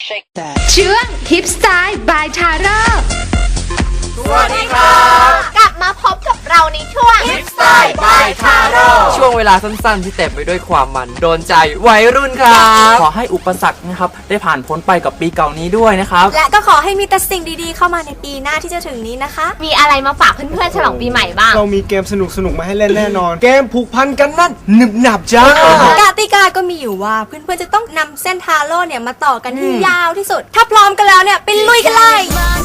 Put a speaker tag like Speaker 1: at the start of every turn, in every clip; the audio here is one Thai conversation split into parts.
Speaker 1: ช่วงทิปสไตล์บายทาร่า
Speaker 2: สวัสดีครับกลับมาพบกับเราในช่วง Hip Style by Taro
Speaker 3: ช่วงเวลาสั้นๆที่เต็มไปด้วยความมันโดนใจวัยรุ่นครับขอให้อุปสรรคนะครับได้ผ่านพ้นไปกับปีเก่านี้ด้วยนะครับ
Speaker 4: และก็ขอให้มีแต่สิ่งดีๆเข้ามาในปีหน้าที่จะถึงนี้นะคะ
Speaker 2: มีอะไรมาฝากเพื่อนๆฉลองปีใหม่บ้าง
Speaker 5: เรามีเกมสนุกๆมาให้เล่นแน่นอน เกมผูกพันกันนั่นหนึบหนับจ้าก
Speaker 4: ติกาก็มีอยู่ว่าเพื่อนๆจะต้องนำเส้นทาโร่เนี่ยมาต่อกันที่ยาวที่สุดถ้าพร้อมกันแล้วเนี่ยไปลุยกันเลย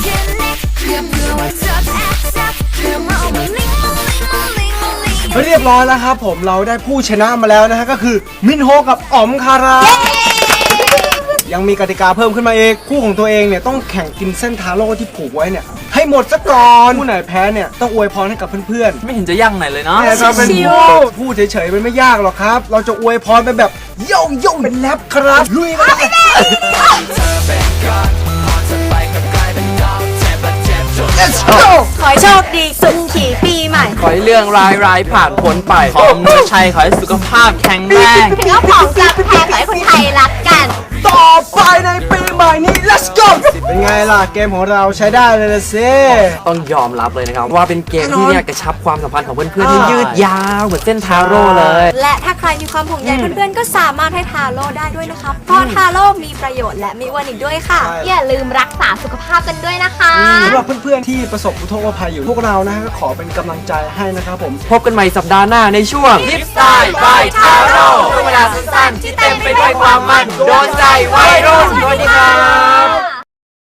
Speaker 5: เรียบร้อยแล้วครับผมเราได้ผู้ชนะมาแล้วนะฮะก็คือมินโฮกับอ๋อมคารายังมีกติกาเพิ่มขึ้นมาเองคู่ของตัวเองเนี่ยต้องแข่งกินเส้นทาโร่ที่ผูกไว้เนี่ยให้หมดซะก่อนผู้ไหนแพ้เนี่ยต้องอวยพรให้กับเพื่อนๆ
Speaker 3: ไม่เห็นจะยั่งไหนเลยเนาะ
Speaker 5: แต่เราเป็นพูดเฉยๆมันไม่ยากหรอกครับเราจะอวยพรไปแบบโย่งเป็นแรปครับลุยกันLet's go
Speaker 4: ขอให้โชคดีสุขขี่ปีใหม่
Speaker 3: ขอให้เรื่องร้ายๆผ่านพ้นไปขอเมือชัยขอให้สุขภาพแข็งแรง
Speaker 2: ถึงเอาของจะแพงขอให้คนไทยรักกัน
Speaker 5: ต่อไปในปีใหม่นี้ Let's go เป็นไงล่ะเกมของเราใช้ได้เลยละสิ
Speaker 3: ต้องยอมรับเลยนะครับว่าเป็นเกมที่เนี่ยกระชับความสัมพันธ์ของเพื่อนๆที่ยืดยาวเหมือนเส้นทาโร่เลย
Speaker 4: และถ้าใครมีความห่วงใยเพื่อนๆก็สามารถให้ทาโร่ได้ด้วยนะคะเพราะทาโร่มีประโยชน์และมีวันอีกด้วยค่ะ
Speaker 2: อย่าลืมรักษาสุขภาพกันด้วยนะคะ
Speaker 5: สำหรับเพื่อนๆที่ประสบอุทกภัยอยู่พวกเรานะฮะก็ขอเป็นกำลังใจให้นะครับผม
Speaker 3: พบกันใหม่สัปดาห์หน้าในช่วง Hip Style by Taro ช่วงเวลาสั้นๆที่เต็มไปด้วยความมันโดนใจวัยรุ่นสวัสดีครับ